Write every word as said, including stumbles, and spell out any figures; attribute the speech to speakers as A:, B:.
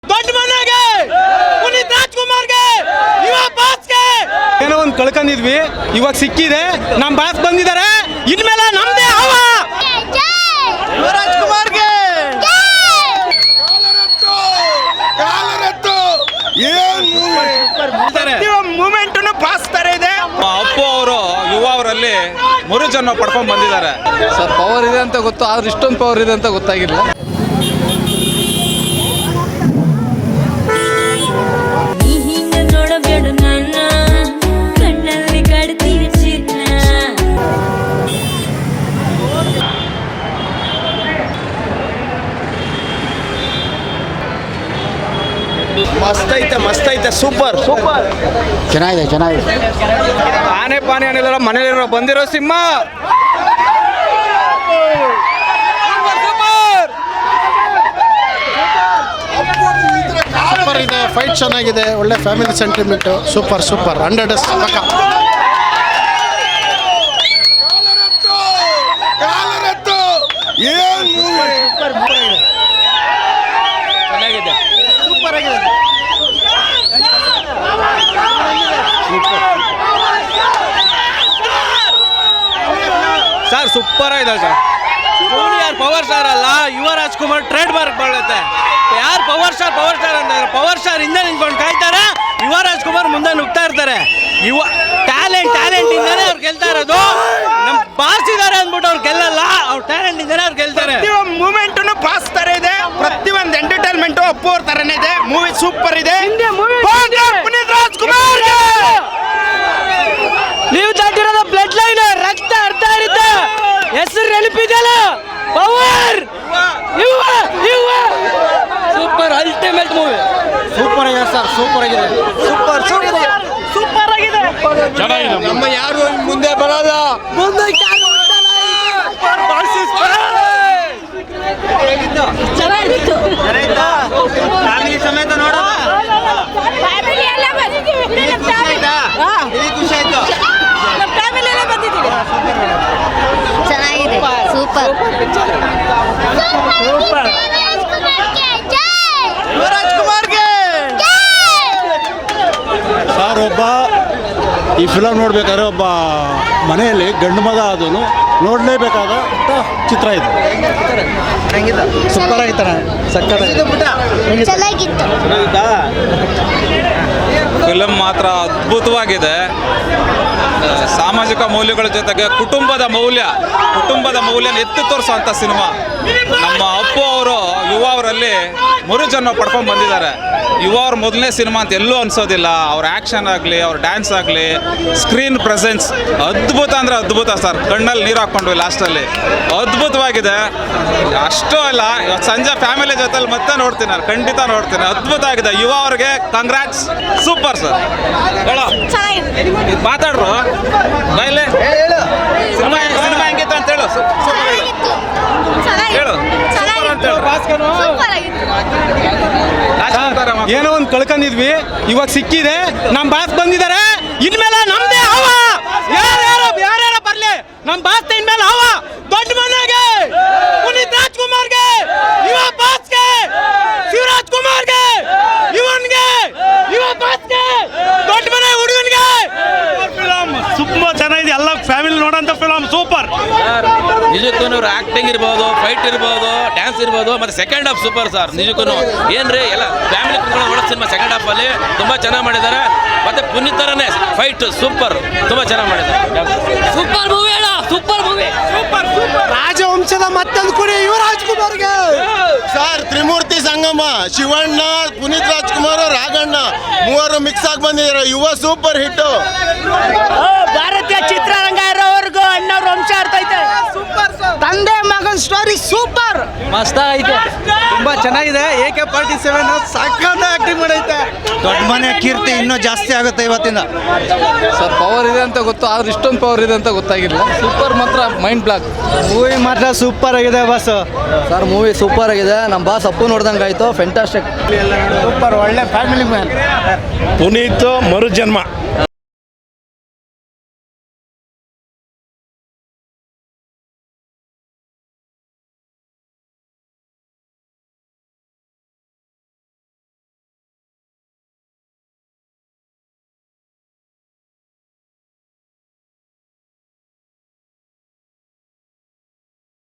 A: ದೊಡ್ಡ ಮನೆಗೆ ಪುನೀತ್ ರಾಜ್ಕುಮಾರ್ಗೆ ಯುವ ಬಾಸ್ಗೆ ಏನೋ ಒಂದು ಕಳ್ಕೊಂಡಿದ್ವಿ, ಇವಾಗ ಸಿಕ್ಕಿದೆ. ನಮ್ಮ ಬಾಸ್ ಬಂದಿದ್ದಾರೆ, ಇನ್ಮೇಲೆ ನಮ್ದೇ ಹವ. ರಾಜ್ಕುಮಾರ್ಗೆ ಮೂಮೆಂಟ್ ಬಾಸ್ ತರ ಇದೆ.
B: ಅಪ್ಪು ಅವರು ಯುವ ಅವರಲ್ಲಿ ಮೂರು ಜನ ಪಡ್ಕೊಂಡ್ ಬಂದಿದ್ದಾರೆ.
C: ಸರ್ ಪವರ್ ಇದೆ ಅಂತ ಗೊತ್ತು, ಆದ್ರೆ ಇಷ್ಟೊಂದು ಪವರ್ ಇದೆ ಅಂತ ಗೊತ್ತಾಗಿಲ್ಲ.
A: ಮಸ್ತ್ ಐತೆ ಮಸ್ತ್ ಐತೆ ಸೂಪರ್ ಸೂಪರ್
C: ಚೆನ್ನಾಗಿದೆ ಚೆನ್ನಾಗಿದೆ.
A: ಆನೆ ಪಾನೆ ಏನಿಲ್ಲ, ಮನೇಲಿರೋ ಬಂದಿರೋ ಸಿಂಹ.
D: ಸೂಪರ್ ಇದೆ, ಫೈಟ್ ಚೆನ್ನಾಗಿದೆ, ಒಳ್ಳೆ family sentiment. Super super hundred ಪಕ್ಕ.
A: ಚೆನ್ನಾಗಿದೆ,
D: ಸೂಪರ್ ಆಗಿದೆ.
A: ಸರ್ ಸೂಪರ್ ಆಗಿದೆ ಸರ್. ಜೂನಿಯರ್ ಪವರ್ ಸ್ಟಾರ್ ಅಲ್ಲ, ಯುವ ರಾಜ್ಕುಮಾರ್ ಟ್ರೇಡ್ ಮಾರ್ಕ್ ಬರುತ್ತೆ. ಯಾರು ಪವರ್ ಸ್ಟಾರ್ ಪವರ್ ಸ್ಟಾರ್ ಅಂತ ಪವರ್ ಸ್ಟಾರ್ ಹಿಂದೆ ನಿಂತ್ಕೊಂಡು ಕಾಯ್ತಾರೆ, ಯುವ ರಾಜ್ಕುಮಾರ್ ಮುಂದೆ ನುಗ್ತಾ ಇರ್ತಾರೆ. ಯುವ ಟ್ಯಾಲೆಂಟ್ ಟ್ಯಾಲೆಂಟ್ ಇಂದಾನೆ ಅವ್ರು ಗೆಲ್ತಾ ಇರೋದು. ನಮ್ ಬಾಸ್ ಇದಾರೆ ಅಂದ್ಬಿಟ್ಟು ಅವ್ರು ಗೆಲ್ಲಲ್ಲ, ಅವ್ರ ಟ್ಯಾಲೆಂಟ್ ಇಂದಾನೆ ಅವ್ರು ಗೆಲ್ತಾರೆ. ಮೂಮೆಂಟ್ ಬಾಸ್ ತರ ಇದೆ, ಪ್ರತಿಯೊಂದು ಎಂಟರ್ಟೈನ್ಮೆಂಟ್ ಅಪ್ಪು ಅವ್ರ ತರನೇ ಇದೆ. ಮೂವಿ ಸೂಪರ್ ಇದೆ. ಪುನೀತ್ ರಾಜ್ಕುಮಾರ್ ನೀವು ದಾಟಿರೋದು ಬ್ಲಡ್ ಲೈನ್, ರಕ್ತ ಅರ್ಥ ಇರುತ್ತೆ. ಹೆಸರು ನೆನಪಿದೆಯಲ್ಲ, power super ultimate movie.
D: Super ಆಗಿದೆ ಸರ್, ಸೂಪರ್ ಆಗಿದೆ.
A: ಸೂಪರ್ ಸೂಪರ್ ಸೂಪರ್ ಆಗಿದೆ.
D: ಚೆನ್ನಾಗಿದೆ.
A: ನಮ್ಮ ಯಾರು ಮುಂದೆ ಬರಲ್ಲ, ಮುಂದೆ
E: ಚೆನ್ನಾಗಿತ್ತು.
A: ಫ್ಯಾಮಿಲಿ ಸಮೇತ ನೋಡೋಣ.
E: ಫ್ಯಾಮಿಲಿ ಎಲ್ಲ ಬಂದಿದ್ದೀವಿ.
A: ಖುಷಿ ಆಯ್ತು.
E: ಫ್ಯಾಮಿಲಿ ಎಲ್ಲ ಬಂದಿದ್ದೀವಿ. ಚೆನ್ನಾಗಿದೆ, ಸೂಪರ್
A: ಸೂಪರ್. ರಾಜ್ಕುಮಾರ್ಗೆ
D: ಸರ್ ಒಬ್ಬ ಈ ಫಿಲಮ್ ನೋಡ್ಬೇಕಾದ್ರೆ ಒಬ್ಬ ಮನೆಯಲ್ಲಿ ಗಂಡು ಮಗ ಆದನು ನೋಡಲೇಬೇಕಾದ ಚಿತ್ರ ಇದು. ಸೂಪರ್ ಆಗಿತ್ತಾನೆ, ಸಕ್ಕತ್ತಾಗಿದೆ.
E: ಚೆನ್ನಾಗಿತ್ತು.
B: ಫಿಲಮ್ ಮಾತ್ರ ಅದ್ಭುತವಾಗಿದೆ. ಸಾಮಾಜಿಕ ಮೌಲ್ಯಗಳ ಜೊತೆಗೆ ಕುಟುಂಬದ ಮೌಲ್ಯ ಕುಟುಂಬದ ಮೌಲ್ಯನ ಎತ್ತಿ ತೋರಿಸುವಂಥ ಸಿನಿಮಾ. ನಮ್ಮ ಅಪ್ಪು ಅವರು ಯುವ ಅವರಲ್ಲಿ ಮೂರು ಜನ ಪಡ್ಕೊಂಡು ಬಂದಿದ್ದಾರೆ. ಯುವ ಅವ್ರ ಮೊದಲನೇ ಸಿನಿಮಾ ಅಂತ ಎಲ್ಲೂ ಅನ್ಸೋದಿಲ್ಲ. ಅವ್ರ ಆ್ಯಕ್ಷನ್ ಆಗಲಿ, ಅವ್ರ ಡ್ಯಾನ್ಸ್ ಆಗಲಿ, ಸ್ಕ್ರೀನ್ ಪ್ರೆಸೆನ್ಸ್ ಅದ್ಭುತ ಅಂದರೆ ಅದ್ಭುತ ಸರ್. ಕಣ್ಣಲ್ಲಿ ನೀರು ಹಾಕ್ಕೊಂಡ್ವಿ ಲಾಸ್ಟಲ್ಲಿ. ಅದ್ಭುತವಾಗಿದೆ. ಅಷ್ಟೂ ಅಲ್ಲ, ಇವತ್ತು ಸಂಜೆ ಫ್ಯಾಮಿಲಿ ಜೊತೆಲಿ ಮತ್ತೆ ನೋಡ್ತೀನಿ, ನಾನು ಖಂಡಿತ ನೋಡ್ತೀನಿ. ಅದ್ಭುತ ಆಗಿದೆ. ಯುವ ಅವ್ರಿಗೆ ಕಂಗ್ರಾಟ್ಸ್, ಸೂಪರ್ ಸರ್. ಹೇಳೋ ಮಾತಾಡ್ರು ಬಾಯ್ಲೆ. ಸಿನಿಮಾ ಸಿನಿಮಾ ಹೆಂಗಿತ್ತು ಅಂತ ಹೇಳು. ಹೇಳು ಸೂಪರ್ ಅಂತ ಹೇಳು.
A: ಏನೋ ಒಂದು ಕಳ್ಕೊಂಡಿದ್ವಿ, ಇವಾಗ ಸಿಕ್ಕಿದೆ. ನಮ್ಮ ಬಾಸ್ ಬಂದಿದ್ದಾರೆ, ಇನ್ಮೇಲೆ ನಮ್ದೇ ಹವ. ಯಾರ್ಯಾರು ಯಾರ್ಯಾರ ಬರ್ಲಿ, ನಮ್ಮ ಬಾಸ್ ಇನ್ಮೇಲೆ ಹವ. ದೊಡ್ಡ ಮನೆಗೆ ಪುನೀತ್ ರಾಜ್ಕುಮಾರ್ಗೆ, ಯುವ ಬಾಸ್ಗೆ, ಶಿವರಾಜ್ ಕುಮಾರ್ಗೆ, ಯುವನ್ಗೆ, ಯುವ ಬಾಸ್ಗೆ, ದೊಡ್ಡ ಮನೆ ಹುಡುಗನ್ಗೆ. ಫಿಲಮ್ ತುಂಬಾ ಚೆನ್ನಾಗಿದೆ. ಎಲ್ಲ ಫ್ಯಾಮಿಲಿ ನೋಡೋಂಥ ಫಿಲಮ್ ಸೂಪರ್.
F: ನಿಜಕ್ಕೂ ಅವ್ರ ಆಕ್ಟಿಂಗ್ ಇರ್ಬೋದು, ಫೈಟ್ ಇರ್ಬೋದು, ಡ್ಯಾನ್ಸ್ ಇರ್ಬೋದು, ಮತ್ತೆ ಸೆಕೆಂಡ್ ಹಾಫ್ ಸೂಪರ್ ಸರ್. ನಿಜಕ್ಕೂ ಏನ್ರಿ ಎಲ್ಲ ಫ್ಯಾಮಿಲಿ ಕುತ್ಕೊಂಡು ನೋಡೋ ಸಿನಿಮಾ. ಸೆಕೆಂಡ್ ಹಾಫ್ ಅಲ್ಲಿ ತುಂಬಾ ಚೆನ್ನಾಗಿ ಮಾಡಿದ್ದಾರೆ. ಮತ್ತೆ ಪುನೀತ್ ತರನೇ ಫೈಟ್ ಸೂಪರ್, ತುಂಬಾ ಚೆನ್ನಾಗಿ ಮಾಡಿದ್ದಾರೆ.
E: ಸೂಪರ್ ಮೂವಿ ಅಣ್ಣ, ಸೂಪರ್ ಮೂವಿ.
A: Super super.
D: ರಾಜವಂಶದ ಮತ್ತೊಂದು ಕುರಿ ಯುವರಾಜ್ ಕುಮಾರ್ಗೆ. ಸರ್ ತ್ರಿಮೂರ್ತಿ ಸಂಗಮ, ಶಿವಣ್ಣ, ಪುನೀತ್ ರಾಜ್ಕುಮಾರ್, ರಾಘಣ್ಣ ಮೂವರು ಮಿಕ್ಸ್ ಆಗಿ ಬಂದಿದ್ದಾರೆ. ಯುವ ಸೂಪರ್ ಹಿಟ್.
G: ಭಾರತೀಯ ಚಿತ್ರರಂಗ ಇರೋವರೆಗೂ ಅಣ್ಣವ್ರ ವಂಶ ಇರ್ತೈತೆ. ತಂದೆ ಮಗನ್ ಸ್ಟೋರಿ ಸೂಪರ್,
A: ಮಸ್ತ್ ಐತೆ, ತುಂಬಾ ಚೆನ್ನಾಗಿದೆ. ಎ ಕೆ ಫಾರ್ಟಿ ಸೆವೆನ್ ಸಖತ್ ಆಕ್ಟಿಂಗ್ ಮಾಡೈತೆ. ದೊಡ್ಡ ಮನೆ ಕೀರ್ತಿ ಇನ್ನೂ ಜಾಸ್ತಿ ಆಗುತ್ತೆ ಇವತ್ತಿಂದ.
C: ಸರ್ ಪವರ್ ಇದೆ ಅಂತ ಗೊತ್ತು, ಆದ್ರೆ ಇಷ್ಟೊಂದು ಪವರ್ ಇದೆ ಅಂತ ಗೊತ್ತಾಗಿಲ್ಲ. ಸೂಪರ್ ಮಾತ್ರ ಮೈಂಡ್ ಬ್ಲಾಕ್.
A: ಮೂವಿ ಮಾತ್ರ ಸೂಪರ್ ಆಗಿದೆ ಬಾಸ್.
H: ಸರ್ ಮೂವಿ ಸೂಪರ್ ಆಗಿದೆ. ನಮ್ಮ ಬಾಸ್ ಅಪ್ಪು ನೋಡ್ದಂಗೆ ಆಯಿತು. ಫ್ಯಾಂಟಾಸ್ಟಿಕ್
D: ಸೂಪರ್, ಒಳ್ಳೆ ಫ್ಯಾಮಿಲಿ ಮ್ಯಾನ್.
I: ಪುನೀತ್ ಮರುಜನ್ಮ.